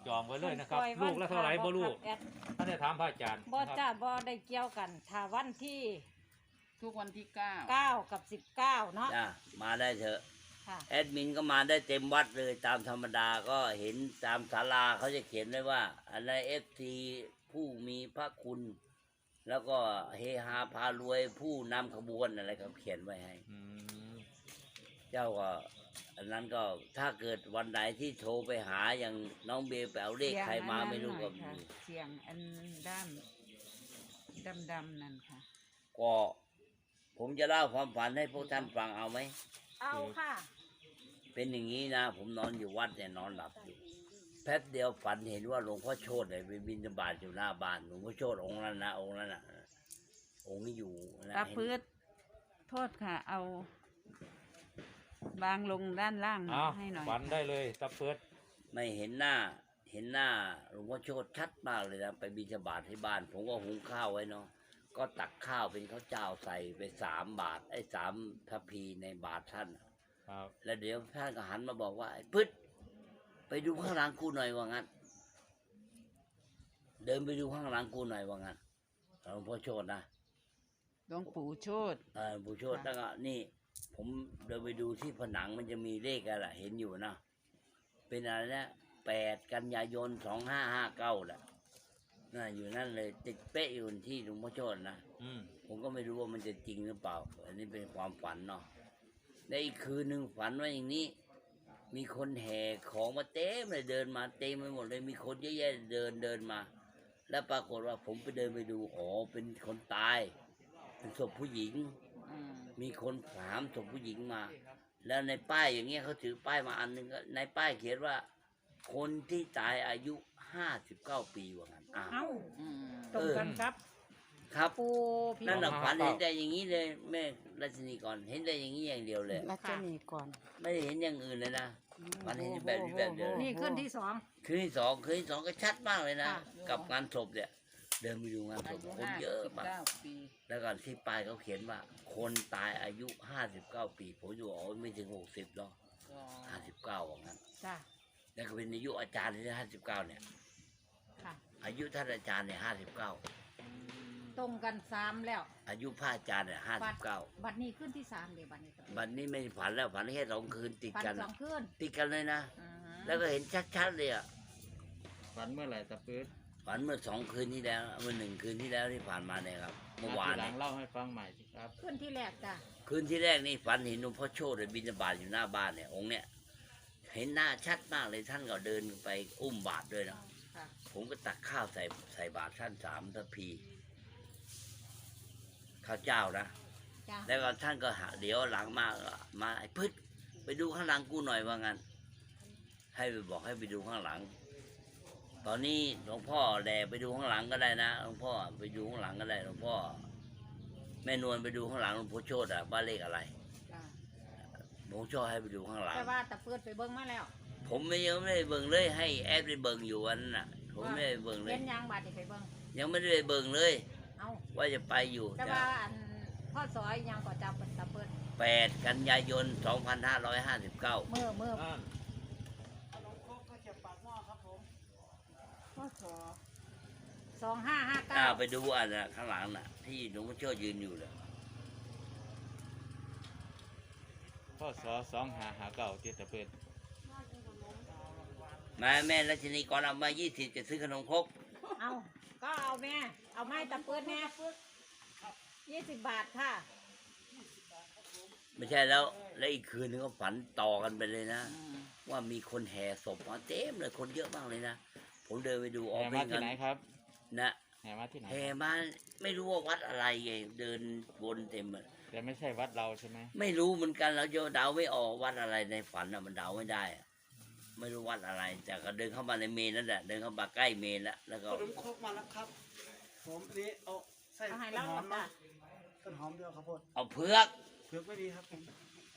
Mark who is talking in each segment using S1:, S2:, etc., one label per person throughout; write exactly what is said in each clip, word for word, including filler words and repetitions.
S1: จองไว้เลยนะครับลูกละเท่าไหร่บ่ลูกท่านได้ถามพระอาจารย์บ่จ้าบ่ได้เกี่ยวกันถ้าวันที่
S2: ทุกวันที่เก้า
S1: เก้ากับสิบเก้าเนาะ
S3: มาได้เถอะแอดมินก็มาได้เต็มวัดเลยตามธรรมดาก็เห็นตามศาลาเขาจะเขียนไว้ว่าอะไรเอฟซีผู้มีพระคุณแล้วก็เฮฮาพารวยผู้นำขบวนอะไรเขาเขียนไว้ให้เจ้าก็อันนั้นก็ถ้าเกิดวันไหนที่โทรไปหาอย่างน้องเบลไปเอาเลขใครมาไม่รู้ก็
S2: เสียงอันด้านดำๆนั่นค่ะ
S3: ก็ผมจะเล่าความฝันให้พวกท่านฟังเอาไหม
S1: เอาค่ะ
S3: เป็นอย่างนี้นะผมนอนอยู่วัดเนี่ยนอนหลับอยู่แป๊บเดียวฝันเห็นว่าหลวงพ่อโชติเนี่ยไปบิณฑบาตอยู่หน้าบ้านหลวงพ่อโชติองค์นั้นนะองค์นั้นนะองค์นี้อยู่
S2: ตาพืชโทษค่ะเอาบางลงด้านล่างให้หน่อย
S1: ฝันได้เลยตาเพิด
S3: ไม่เห็นหน้าเห็นหน้าหลวงพ่อโชติชัดมากเลยนะไปบิณฑบาตที่บ้านผมก็หุงข้าวไว้เนาะก็ตักข้าวเป็นข้าวเจ้าใส่ไปสามบาทไอ้สามทัพพีในบาทท่าน
S1: ครับ
S3: แล้วเดี๋ยวท่านก็หันมาบอกว่าไอ้พืชไปดูข้างหลังกูหน่อยว่างั้นเดินไปดูข้างหลังกูหน่อยว่างั้นหลวงพ่อโชตินะ
S2: หลวงปู่โชติ
S3: เออปู่โชติแล้วก็นี่ผมเดินไปดูที่ผนังมันจะมีเลขอะไรเห็นอยู่นะเป็นอะไรนะแปดกันยายนสองห้าห้าเก้าแหละน่าอยู่นั่นเลยติดเป๊ะอยู่ที่หลวงพ่อโชตินะผมก็ไม่รู้ว่ามันจะจริงหรือเปล่าอันนี้เป็นความฝันเนาะในอีกคืนหนึ่งฝันว่าอย่างนี้มีคนแห่ของมาเต็มเลยเดินมาเต็มไปหมดเลยมีคนเยอะแยะเดินเดินมาแล้วปรากฏว่าผมไปเดินไปดูอ๋อเป็นคนตายเป็นศพผู้หญิงมีคนถามศพผู้หญิงมาแล้วในป้ายอย่างเงี้ยเขาถือป้ายมาอันหนึ่งในป้ายเขียนว่าคนที่ตายอายุห้าสิบเก้าปีว่างั้นอ้าว
S1: ตรงกันครับ
S3: ครับนั่นหลักฝันเห็นแต่อย่างนี้เลยแม่รัชนีก่อนเห็นแต่อย่างนี้อย่างเดียวเลย
S2: รัชนีก่อน
S3: ไม่ได้เห็นอย่างอื่นเลยนะมันเห็นแบบนี้แบบเดียว
S1: นี่ขึ้นที่สอง
S3: คืนที่สองคืนที่สองก็ชัดมากเลยนะกับงานศพเนี่ยเดินไปดูงานศพคนเยอะมากแล้วก็ที่ป้ายเขาเขียนว่าคนตายอายุห้าสิบเก้าปีผมอยู่อ๋อไม่ถึงหกสิบหรอกห้าสิบเก้าว่างั้นแล้วก็เป็นอายุอาจารย์ที่ห้าสิบเก้าเนี่ยอายุท่านอาจารย์เนี่ยห้าสิบเก้า
S1: ตรงกันสามแล้ว
S3: อายุพระอาจารย์เนี่ยห้าสิบเก้า
S1: บัดนี้ขึ้นที่สามเดี๋ยวบัดนี้
S3: บัดนี้ไม่ฝันแล้วฝันแค่สองคืนติดกัน
S1: สองคืน
S3: ติดกันเลยนะแล้วก็เห็นชัดๆเลยอ่ะ
S1: ฝันเมื่อไหร่ตะปื๊ด
S3: ฝันเมื่อสองคืนที่แล้วเมื่อหนึ่งคืนที่แล้วที่ผ่านมาเนี่ยครับเมื่อวาน
S1: หลังเล่าให้ฟังใหม่สิครับคืนที่แรกจ้ะ
S3: คืนที่แรกนี่ฝันเห็นหลวงพ่อโชติบิณฑบาตอยู่หน้าบ้านเนี่ยองค์เนี่ยเห็นหน้าชัดมากเลยท่านก็เดินไปอุ้มบาตรด้วยนะผมก็ตักข้าวใส่ใส่บาตรท่านสามทัพพีข้าวเจ้านะแล้วก็ท่านก็หาเดี๋ยวหลังมามาไอ้พืชไปดูข้างหลังกูหน่อยว่างั้นให้ไปบอกให้ไปดูข้างหลังตอนนี้หลวงพ่อแดไปดูข้างหลังก็ได้นะหลวงพ่อไปดูข้างหลังก็ได้หลวงพ่อแม่นวลไปดูข้างหลังหลวงพ่อโชติอ่ะบ้านเลขอะไรหลวงพ่อให้ไปดูข้างหลัง
S1: แต่ว่าแต่เปิดไปเบิ้งมาแล้ว
S3: ผมไม่ยังไม่ได้เบิ้งเลยให้แอดไปเบิ้งอยู่วันน่ะผมไม่ได้เบิ้งเลย
S1: เห็นยังบาดไปเบิ้ง
S3: ยังไม่ได้เบิ้งเลยว่าจะไปอยู่
S1: แต่ว่าอันพ่อสอยยังก็จับเป็นตะเปิด
S3: แปดกันยายนสองพันห้าร้อยห้าสิบเก้า
S1: เมื่อเมื่อสองห้าห้าเก้า
S3: ไปดูอันน่ะข้างหลังน่ะที่หลวงพ่อโชติยืนอยู่เลย
S1: พ่อสอสองห้าห้าเก้าที่ตะเปิด
S3: มาแม่รัชนีก่อนเอามายี่สิบจะซื้อขนมครก
S1: เอาก็เอาแม่เอาไม้ตะเปิดแม่ยี่สิบบาทค่ะ
S3: ไม่ใช่แล้วแล้วอีกคืนนึงก็ฝันต่อกันไปเลยนะว่ามีคนแห่ศพมาเต็มเลยคนเยอะมากเลยนะผมเดินไปดู
S1: ออกไปที่ไหนครับ
S3: นะ
S1: แห่มาที่ไหน
S3: แห่มาไม่รู้ว่าวัดอะไรไงเดินวนเต็มเลย
S1: แต่ไม่ใช่วัดเราใช่ไหม
S3: ไม่รู้เหมือนกันเราจะเดาไม่ออกวัดอะไรในฝันอะมันเดาไม่ได้ไม่รู้วัดอะไรแต่ก็เดินเข้ามาในเมนนั่นแหละเดินเข้ามาใกล้เมนแล้วแล้วก็
S4: ขนมครกมาแล้วครับผมนี้เอาใส่ต้นหอมนะต้นหอมเดียวครับพ่อ
S3: เอาเผือก
S4: เผือกไม่ดีครับผม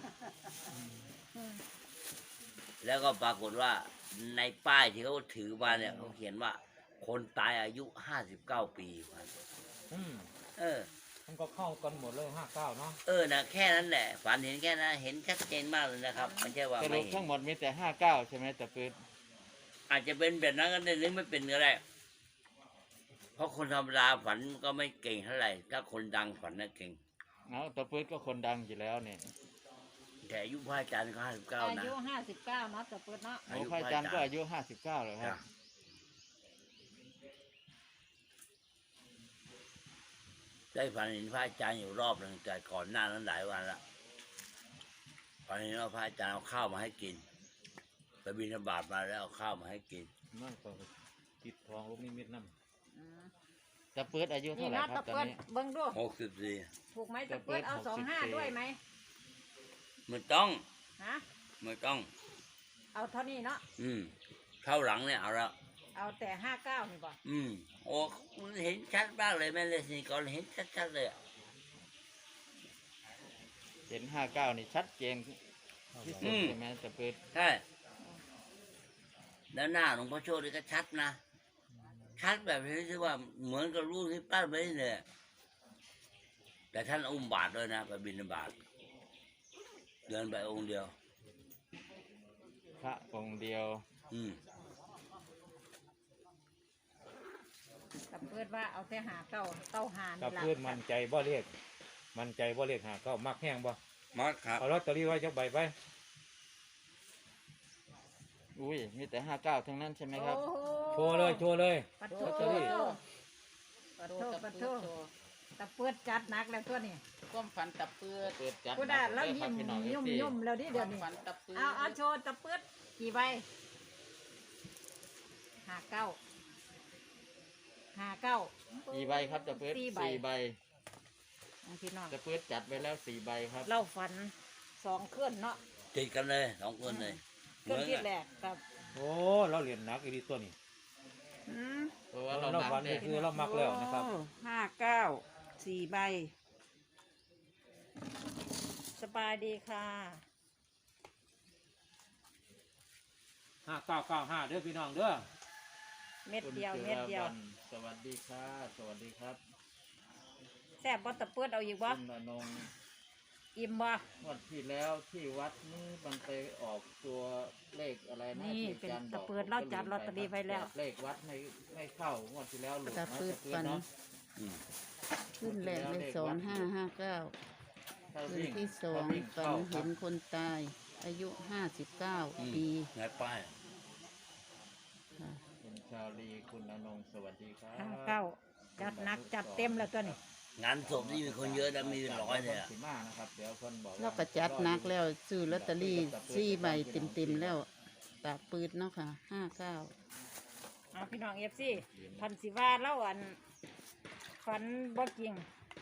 S3: แล้วก็ปรากฏว่าในป้ายที่เขาถือมาเนี่ยเขาเขียนว่าคนตายอายุห้าสิบเก้าปีเออ
S1: มันก็เข้ากันหมดเลยห้าเก้าเนาะ
S3: เออนะแค่นั้นแหละฝันเห็นแค่นั้นเห็นชัดเจนมากเลยนะครับไม่ใช่ว่า
S1: ไม่ทั้งหมดมีแต่ห้าเก้าใช่ไหมแต่ปืน
S3: อาจจะเป็นแบบนั้นก็ได้หรือไม่เป็นก็ได้เพราะคนธรรมดาฝันก็ไม่เก่งเท่าไหร่ถ้าคนดังฝันน่ะเก่ง
S1: เอาตะปืดก็คนดังอยู่แล้วเนี่ย
S3: แต่อายุพระอาจารย์ก็ห้าสิบเก้า
S5: อา
S3: นะ
S5: ยุห้าสิบเก้าเนาะตะเปิดเนาะ
S1: โอ้พระอาจารย์ก็อายุห้าสิบเก้าเลยครับ
S3: ได้ฝันเห็นพระอาจารย์อยู่รอบหนึ่งแต่ก่อนหน้านั้นหลายวันละฝันเห็นว่าพระอาจารย์เอาข้าวมาให้กินไปบิณฑบาตมาแล้วเอาข้าวมาให้กิน
S1: นั่นก็ติดทองลูกนิมิตน้
S5: อืม
S1: ำตะปืดอายุ
S5: นี่
S1: เท่าไหร่
S5: เนาะ
S1: ครั
S5: ตะ
S1: บตอน
S5: เปิด
S1: นี้
S5: เบิ่งดู
S3: หกสิบสี่
S5: ถูกไหมตะเปิดเอา
S1: ตะเปิด
S5: สองห้า
S1: หกสิบสี่
S5: ด้วยไหม
S3: ไม่ต้อง
S5: ฮะ
S3: ไม่ต้อง
S5: เอาเท่านี้เนาะ
S3: อืมเข้าหลังเนี่ยเอาละ
S5: เอาแต่ห้าเก้านี่บ่
S3: อืมโอ้มันเห็นชัดมากเลยแม่เลสนี่ก่อนเห็นชัดๆเลยอะ
S1: เห็นห้าเก้านี่ชัดเจนที่สุดใช่ไหมตะปืด
S3: ใช่แล้วหน้าหลวงพ่อโชติก็ชัดนะชัดแบบที่ว่าเหมือนกับรูปที่ปั้นไว้เลยแต่ท่านอุ้มบาทด้วยนะไปบิณฑบาตเดินไปองค์เดียว
S1: พระองค์เดียว
S3: อืม
S5: ตะเปิดว่าเอาแต่หาเก้าเก้าหา
S1: ตะ
S5: นี่ล่ะ
S1: ปืดมันใจบ่เรียกมันใจบ่เรียกหาเก้ามักแห้งบ่
S3: มาครับ
S1: เอาลอตเตอรี่ไว้จักใบไปอุ้ยมีแต่ห้าเก้าทั้งนั้นใช่ไหมครับ
S5: โอ้โห
S1: โชว์เลยโชว์เลย
S5: ปัด
S1: ลอต
S5: โท
S1: เตอรี่
S5: ปัดโทปัดโทตะเปิดจัดหนักแล้วตัวนี้
S2: ความฝันตะเปืด
S1: เปิดจัด
S5: กูได้แล้ว
S1: ครั
S5: ยิ้
S1: บ
S5: ม
S1: พี่น้อง
S5: ยุ่ม
S1: เอฟซี
S5: ยุ่มแล้วดิ
S2: ค
S5: เดี๋ยว
S2: วาม
S5: นี้
S2: ฝันตะเปืด
S5: เอาเอาโชว์ตะเปิดกี่ใบหาเก้าหาเก้า
S1: กี่ใบครับตะปืด
S5: สี่ใบ
S1: สี่ใบ
S5: เอาพี่น้อง
S1: ตะปืดจัดไว้แล้วสี่ใบครับ
S5: เราฝันสองเคลื่อนเนาะ
S3: ติดกันเลยสองคนเลย
S5: เคลื่อนที่แรกกับ
S1: โอ้เราเหรียญหนักอีดีตัวนี้
S2: อืม
S1: เพราะว่าเราหนักเนี่ยคือเรามักแล้วนะครับ
S2: โอ้ห้าเก้าสี่ใบ
S5: สบายดีค่ะ
S1: ห้าเก้าเก้าห้าเด้อพี่น้องเด้อ
S5: เม็ดเดียว
S1: คุณ
S5: เม็ดเดียว
S1: จิรวรรณสวัสดีค่ะสวัสดีครับ
S5: แซ่บบ่ตะเปิดเอาอีกบ่
S1: คุณอนง
S5: อิ่มบ่
S1: งวันที่แล้วที่วัดนี่มันไปออกตัวเลขอะไรนะ
S5: นี่
S1: ที่
S5: เป็น
S1: อาจารย์บ
S5: ตะ
S1: อก
S5: เปิดเราจัดลอตเตอรี่ไว้แล้ว
S1: เลขวัดไม่ไม่เข้างวดที่แล้วหลุด
S2: ตะ
S1: นะ
S2: เปืด
S1: ตะ
S2: ฝัน
S1: เนาะ
S3: อืม
S2: ขึ้นแรกเลยสองห้าห้าเก้า
S1: ถ้า
S2: คืน
S1: วิ่ง
S2: ที่สอง
S1: ถ้าวิ่ง
S2: ฝั
S1: เข้าน ครั
S2: เห็
S1: บ
S2: นคนตาย อายุห้าสิบเก้า
S3: อืม
S2: ปี
S3: ไงป้าย
S2: ค่ะ
S1: คุณชาลีคุณอนงสวัสดีครับ
S5: ห้าเก้าจัดหนักจัดเต็มแล้วตัวนี้
S3: งานศพนี่มีคนเยอะนะมีเป็นร้อยเลยอะ
S1: สีมานะครับเดี๋ยวคนบอกว่า
S2: เราก็จัดหนักแล้วซื้อลอตเตอรี่สี่ใบเต็มๆแล้วตาปืดเนาะค่ะห้าเก้า
S5: เอาพี่น้องเอฟซีพันสิว่าเล่าอันฝันบ่จริง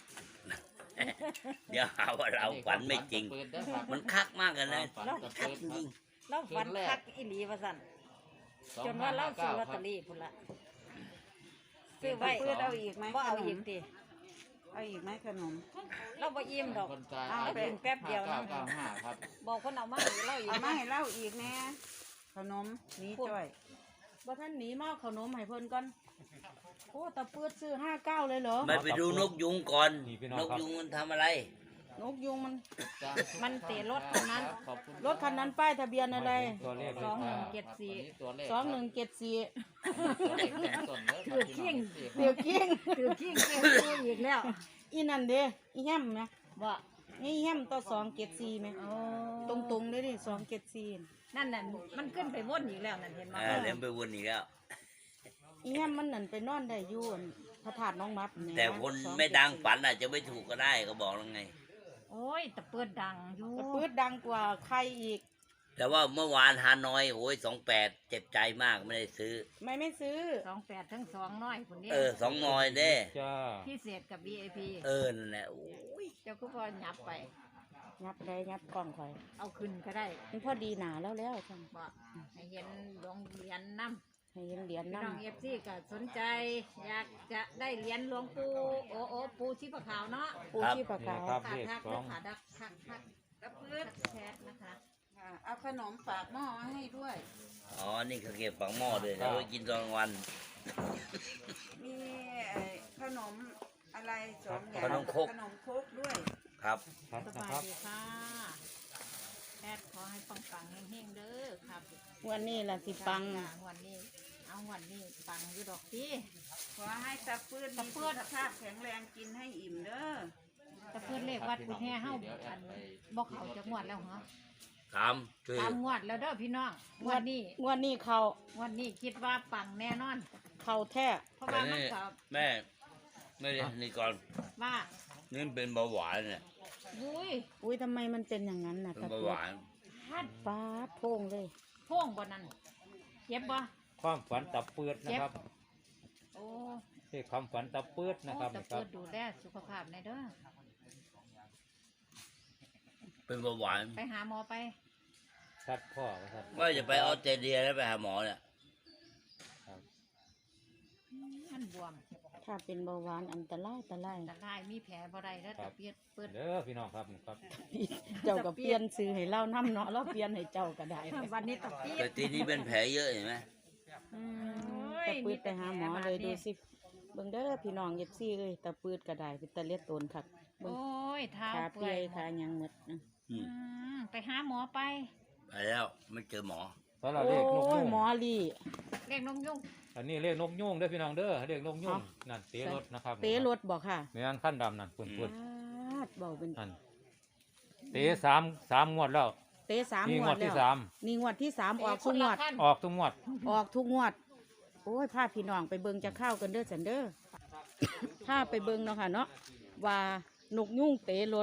S3: เดี๋ยวหาว่าเราฝันไม่จริง
S1: เปิดได้ครับ
S3: มันคักมากกันเลย
S1: ฝันตะ
S3: คัก
S1: เปิด
S3: จริง
S5: เราฝันคักอีหลีว่าสั่นจนว่าเราซื้อลอตเตอรี่พุ่นละซื้อไว้
S2: เปืดเอาอีกไหม
S5: บ่เอาอีกติ
S2: เอาอีกไหมขนม
S5: เราบ่อิ่มดอก
S1: คนตาย
S5: เอาไปแป๊บเดียวนะ
S1: ห้าเก้าเก้าห้าครับ
S5: บอกคนเอามาให้เราอีก
S2: เอามา
S5: นะ
S2: ให้เล่าอีกแน่ขนมนี้จ้อย
S6: บ่ท่านหนีมาเอาขนมให้เพิ่นก่อน โอ้ตะเปื้ดซื้อห้าเก้าเลยเหรอ
S3: ไม่ไปดูนกยุงก่อน
S1: นี่พี่น้อง
S3: นก
S1: ครับ
S3: ยุงมันทำอะไร
S6: นกยุงมัน
S5: มันเตะรถคันนั้น
S1: ขอบคุณ
S6: รถคันนั้นป้ายทะเบียนอะไร
S1: ตัวเลข
S5: สองหนึ่งเจ็ดสี่
S1: ตัวเลข
S6: สองหนึ่งเจ็ดสี่
S1: ตัวเลขเต็มต้นเลย
S5: ถือเคียง
S6: เดี๋ยวกิ้ง
S5: ถือขี้เกียจซื้ออีกแล้ว
S6: อีนั่นเด้อีแฮมนะ
S5: บ่
S6: นี่แฮมต่อสองเจ็ดสี่ไหม
S5: โอ้
S6: ตรงตรงๆเลยดิสองเจ็ดสี่
S5: นั่นน่ะมันขึ้นไปวนอีกแล้วนั่นเห็นไหม
S3: เออเลี้ยงไปวนอีกแล้ว
S6: อีแฮมมันนั่นไปนอนได้อยู่อั่นพระธาตุน้องมัดเย
S3: แต่คน
S6: สอ
S3: ไม่ดังฝันอาจจะไม่ถูกก็ได้ก็บอกแล้วไง
S5: โอ้ยตะเปิดดังอยู่
S6: ตะเปื้ดดังกว่าใครอีก
S3: แต่ว่าเมื่อวานฮานอยโอ้ยสองแปดเจ็บใจมากไม่ได้ซื้อ
S6: ไม่ไม่ซื้อ
S5: สองแปดทั้งสองน้อยคนนี้
S3: เออสองนอยเด้
S1: จ้า
S5: พิเศษกับ วี ไอ พี
S3: เออนั่นแหละโอ้ย
S5: เจ้าก็พอหยับไป
S6: ยับได้ยับกล่องคอย
S5: เอาขึ้นก็ได้
S6: มันพอดีหนาแล้วแล้วจัง
S5: บ่ให้เห็นโรงเรียนน้ำ
S6: ให้เห็นเหรียญ
S5: พี่
S6: นั่
S5: น้องเอฟซีก็สนใจ อยากจะได้เหรียญหลวงปู่โอโอปูชีพขาวเนาะ
S6: ปูชีพขาว
S1: ครับ
S5: ขาด
S1: เลข
S5: ทัก
S1: สอง
S5: ขาดักทักทักกระพืดแชทนะคะ
S2: ค่ะเอาขนมฝากหม้อมาให้ด้วย
S3: อ๋อนี่เขาเก็บฝังหม้อเลยแล้วไว้กินตอนกลางวัน
S2: มีไอ้ขนมอะไรสองอย่าง
S3: ขนมครก
S2: ขนมครกด้วย
S3: ครับ
S1: ครับ
S5: ส
S1: นะ
S5: บาย
S1: ครับ
S5: ดีค่ะแอดขอให้ปังปังๆเฮงๆเด้อครับ
S2: วันนี้ล่ะสิปัง
S5: จ้างวันนี้ เอาวันนี้ปังอยู่ดอกพี่
S6: ขอให้ตะปืดมีสุขภาพแข็งแรงกินให้อิ่มเด้อ
S5: แต่เพื่อนเลขวัดกุฎแห่เฮาอันบอกเขาจะงวดแล้วเหรอ
S3: ถามช่วย
S5: ตามงวดแล้วเด้อพี่น้องงวดนี้
S2: งวดนี้เขา
S5: งวดนี้คิดว่าปังแน่นอน
S2: เขาแท้
S5: เพราะ
S3: แต่
S5: ว่ามัน
S3: นี่
S5: ก็
S3: แม่ไม่ได้นี่ก่อน
S5: ว่า
S3: นี่เป็นเบาหวานเนี่ย
S5: อุ้ย
S2: อุ้ยทำไมมันเป็นอย่างนั้นน่ะ
S3: เป็น
S2: ตะ
S3: เบา
S2: เกี
S3: ห
S2: ยบ
S3: วาน
S5: ฮัด
S2: ฟ้าโพงเลย
S5: พ่วงบ่นั่นเจ็บบ่
S1: ความฝันตับเปื้อนนะครับ
S5: โอ้
S1: ที่ความฝันตับเปื้อนนะ
S5: โอ้
S1: ครับ
S5: แต่
S1: นะครั
S5: เปิ
S1: บ
S5: ดดูแลสุขภาพในอยเด้อ
S3: เป็นเบาหวาน
S5: ไปหาหมอไป
S1: ชัดพ่อนะครับ
S3: ว่าจะไปออสเตรเลียแล้วไปหาหมอเนี่ย
S5: มันบวม
S2: ถ้าเป็นเบาหวานอันตรายอันตราย
S5: แต่ได้มีแผลบ่ได้แล้วแต่เปียดเปิด
S1: เด้อพี่น้องครับครับ
S2: เจ้าก็เปลี่ยนซื้อให้เล่าน้ำเนาะเราเปลี่ยนให้เจ้าก็ได้
S5: วันนี้ตะเปีย
S3: แต่
S5: ด
S3: ทีนี้เป็นแผลเยอะเห็นไหม
S2: อืมตะปืดไปหาหมอเลยดูสิเบิ่งเด้อพี่น้องเอฟซีเอ้ยตะปืดก็ได้เป็นตะเลียดโตนคักเบิ่ง
S5: โอ้ยเท้า
S2: ขา
S5: เปื่
S2: เปี
S5: อย ย
S2: ขาหยังหมดนะ
S3: อื
S5: อื
S3: ม
S5: มไปหาหมอไป
S3: ไปแล้วไม่เจอหมอ
S1: ตอนเรา
S2: โอ้
S1: เลขนก
S2: ย
S1: ยุ่ง
S2: หมอลี่
S5: เรียกนกยุ่ง
S1: อันนี้เลขนกยุ่งเด้อพี่น้องเด้อเลขนกยุ่ง
S2: อ๋อ
S1: นั่นเตะรถนะครับ
S2: เตะรถบอกค่ะ
S1: เมียนขั้นดำนั่นปุ่นปุ่น
S2: ปาดเบาเป็น
S1: นั่นเตะสามสามงวดแล้ว
S2: เตะสาม
S1: นี่
S2: ง
S1: ง
S2: ว
S1: ว
S2: ด
S1: ด
S2: แล้
S1: ที่
S2: ว
S1: สาม
S2: นี่งวดที่สามออก
S5: ค
S2: ทุก
S5: น
S2: ง
S5: ละ
S2: วด
S5: ขั้น
S1: ออกทุกงวด
S2: ออกทุกงวด โอ้ยพาพี่น้องไปเบิงจะเข้ากันเด้อสันเด้อ ถ้าไปเบิงเนาะค่ะเนาะว่านกยุ่งเตะรถ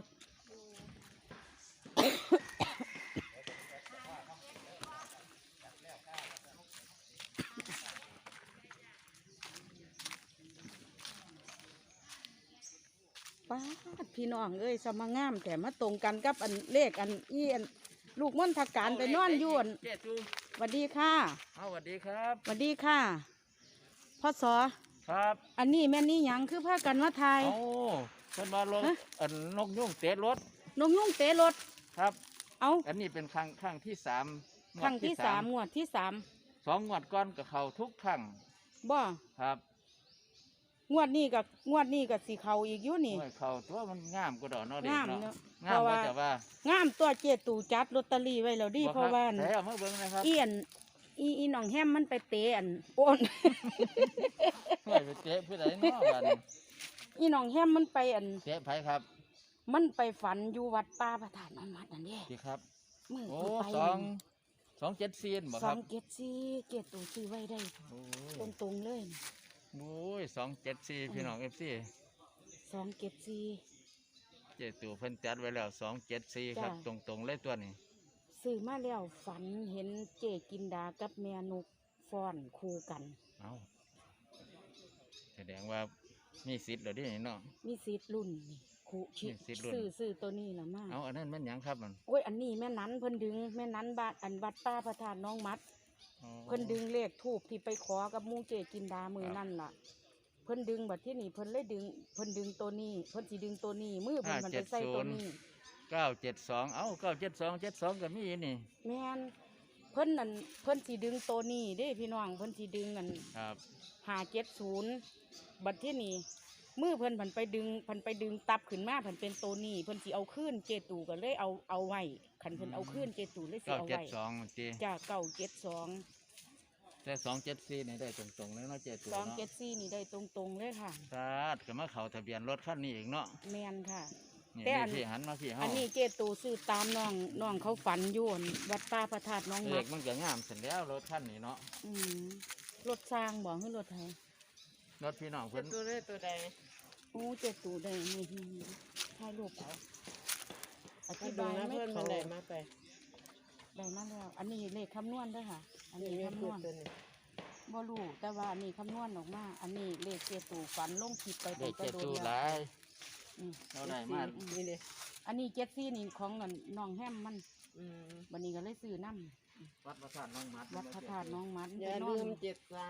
S2: ป้าดพี่น้องเอ้ยสมางามแต่มาตรงกันกับอันเลขอันอีอันลูกม่อนทักการไปนอนอยวน
S7: เจ๊จู
S2: สวัสดีค่ะ
S7: เอาสวัสดีครับ
S2: สวัสดีค่ะพ่อสอ
S7: ครับ
S2: อันนี้แม่นี่หยังคือพากันมาทาย
S7: เอาเพิ่นมารถ
S2: ฮะ
S7: อันนกยุ่งเตะรถ
S2: นกยุ่งเตะรถ
S7: ครับ
S2: เอา
S7: อันนี้เป็นครั้งครั้งที่สามงวด
S2: ครั้งที่สามงวดที่สาม
S7: สองงวดก้อนกับเขาทุกครั้ง
S2: บ่
S7: ครับ
S2: งวดนี้กับงวดนี้กับสีเขาอีกอยู่นี่
S7: โอ้ยเขาตัวมันงามก็ดอกเนาะเด็ก
S2: งาม
S7: เนาะ
S2: เนาะ
S7: งาม
S2: เพราะ
S7: ว่า
S2: ว่า
S7: แต่ว่าง
S2: ามตัวเจตูจัดลอตเตอรี่ไว้แล้วดิ
S7: บ่
S2: เพราะว่า
S7: คบแต่เอามาเบิ่งนะครับ
S2: เอียนอีอีน้องแฮมมันไปเตะอันโอน
S7: เฮ้ยไปเตะผู้ใดเนาะบัดนี้
S2: อีน้องแฮมมันไปอัน
S7: เตะไผครับ
S2: มันไปฝันอยู่วัดป่าประธานนอนมัดนั่นเด้
S7: ดีครับ
S2: มือ
S7: โอ้
S2: ที่ไป
S7: สองสองเจ็ดซีนบ่
S2: ส
S7: ค
S2: อ
S7: รับ
S2: งเกตซีเกตตูซื้อไว้ได้
S7: โอ้
S2: ตรงตรงๆเลย
S7: โอ้ยสองเจ็ดซีพี่น้องเอฟซี
S2: สองเกตซี
S7: เจ๊ตู่เพิ่นจัดไว้แล้วสองเจ็ดซีครับ
S2: จ้ะ
S7: ตรงตรงๆเลยตัวนี้
S2: ซื้อมาแล้วฝันเห็นเจกินดากับแม่นกฟ้อนคู่กัน
S7: เอาแสดงว่ามีสิทธิ์เหรอที่นี่เนาะ
S2: มีสิทธิ์รุ่นนี่คู่ชิ
S7: มีสิทธิ์รุ่น
S2: ซื้อซื้อตัวนี้ละมา
S7: เอาอันนั้นแมันหยังครับมัน
S2: โอ้ยอันนี้แม่นั้นเพิ่นดึงแม่นั้นบาดอันวัดป้าประธานน้องมัด
S7: อ๋อ
S2: เพิ่นดึงเลขทูบที่ไปขอกับหมูเจกินดามือนั่นล่ะ เพิ่นดึงบัดที่นี่เพิ่นเลยดึงเพิ่นดึงตัวนี้ เพิ่นสิดึงตัวนี้มือเพิ่นมันไปใส่ตัวนี้
S7: เก้าเจ็ดสองเอ้าเก้าเจ็ดสองเจ็ดสองก็มีนี่
S2: แม่นเพิ่นนั่นเพิ่นสิดึงตัวนี้เด้พี่น้องเพิ่นสิดึงอัน
S7: ครับ
S2: ห้าเจ็ดศูนย์บัดที่นี่มือเพิ่นผันไปดึงเพิ่นไปดึงตับขึ้นมาเพิ่นเป็นตัวนี้เพิ่นสิเอาขึ้นเจตูก็เลยเอาเอาไว้คันเพิ่นเอาขึ้นเจตูเลยสิ
S7: เก้า
S2: เอา
S7: เจ็ด
S2: ไว้
S7: สองมันจี
S2: จ้าเก้าเจ็ดสอง
S7: แต่สองเจ็ดสี่นี่ได้ตรงตรงๆเลยเนาะเจ๊ตู่
S2: สอง
S7: เนาะ
S2: เจ็ดสี่นี่ได้ตรงๆเลยค่ะ
S7: สาดก็มาเข้าทะเบียนรถคันนี้อีกเนาะ
S2: แมนค่ะ
S7: นี่
S2: แต่อัน
S7: พี่หันมาพี่เฮา
S2: อันนี้เจตูซื้อตามน้องน้องเขาฝันอยวนวัดป้าพระธาตุน้อง
S7: เล
S2: มั
S7: ข
S2: ด
S7: มันก็งามเสร็จแล้วรถคันนี้เนาะ
S2: อืมรถสร้างบอกให้รถไทย
S7: รถพี่น้องเพิ่น
S6: ตัวเลขตัวใด
S2: โอ้เจตูได้นี่ถ่ายรูปเอาอ
S6: ให้
S2: ธิ
S6: ดู
S2: บาย
S6: นะ
S2: ไม่
S6: เพื่อนมั
S2: เขา
S6: นได้มาไป
S2: ได้มาแล้วอันนี้เลขคำนวณเด้วยค่ะ อัน
S6: นี่
S2: นี้
S6: แม่
S2: คำน
S6: พูด
S2: วณ
S6: ตัวนี้
S2: บ่รู้แต่ว่าอันนี้คำนวณออกมา อันนี้เลขเจตูฝันลงคลิปไป
S7: เล
S2: ตั้
S7: ข
S2: งแต่
S7: เจ๊
S2: โดน
S7: ตู่ห
S2: แล้
S7: ลา
S2: วย อืม
S7: เราได้มา
S6: นี่ดิ
S2: อันนี้เจ็ดซี่นี่ของนั่นน้องแฮมมัน
S6: อืม
S2: วันนี้ก็เลยซื้อน้
S7: วัดพระธาตุน้องมัด
S2: ำวัดพระธาตุน้องมัด
S6: อย่า
S2: ไปน
S6: ลื
S2: อน
S6: มเจ็ดสาม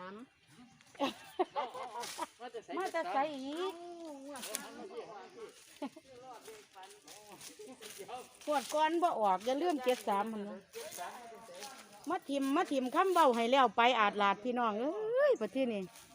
S2: มาจะใส่อีกปวดก้อนบ่ออกอย่าลืมเจ็ดสามมันนะมาทิมมาทิมคำเบาให้แล้วไปอาดลาดพี่น้องเอ้ยประเทศนี้